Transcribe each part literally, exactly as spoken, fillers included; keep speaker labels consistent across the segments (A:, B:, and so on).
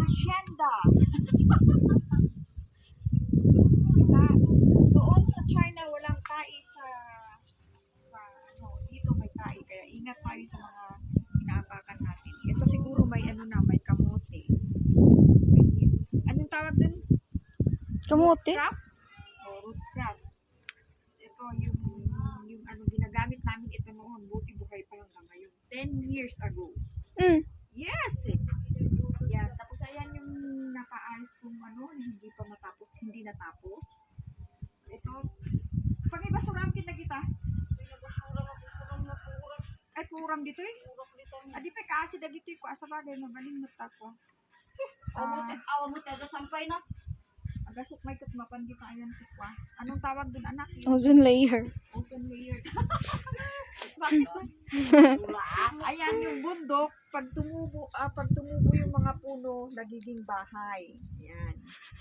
A: hacienda. Diba? Doon sa China, walang tai sa, sa ano, dito may tai. Kaya ingat tayo sa mga inaapakan natin. Ito siguro may ano na, may kamote. May, anong tawag dun?
B: Kamote?
A: Root crab? O, root crab. Tapos ito yung, yung ano, ginagamit namin ito noon. Buti buhay pa hanggang ngayon. ten years ago.
B: Mm.
A: Yes! Eh. Yan. Tapos ayan yung nakaayos kong ano, hindi pa natapos, hindi natapos. Ito. Pag ibasuram kita kita. Ay, puram dito eh. Adi pa kasi da dito eh. Kung asa bagay, mabaling mata ko. Ah,
C: Awa mo tayo sampay na.
A: agasok may katmapan kita ayan ko. Anong tawag dun anak?
B: Ozone layer.
A: Ocean layer. Bakit ba? Ayan yung bundok, pag tumubo, ah, pag tumubo yung mga puno, nagiging bahay. Ayan.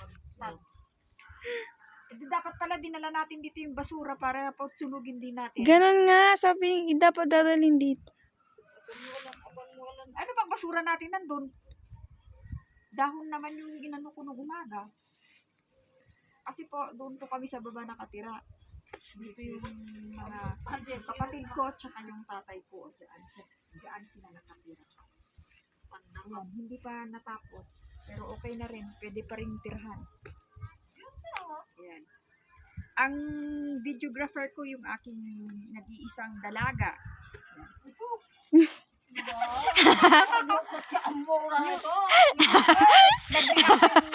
A: Eh, di dapat pala dinala natin dito yung basura para pautsulugin din natin.
B: Ganon nga, sabi ni dapat dadalhin dito.
A: Ano bang basura natin nandun? Dahon naman yung ginano ko nung umaga. Kasi po, doon po kami sa baba nakatira. Dito yung mga kapatid ko, tsaka yung tatay ko. Diyan, diyan sila nakatira. Ayan, hindi pa natapos. Pero okay na rin. Pwede pa rin tirhan. Ayan. Ang videographer ko yung aking nag-iisang dalaga.
C: Ang mura nito.
A: Nag-react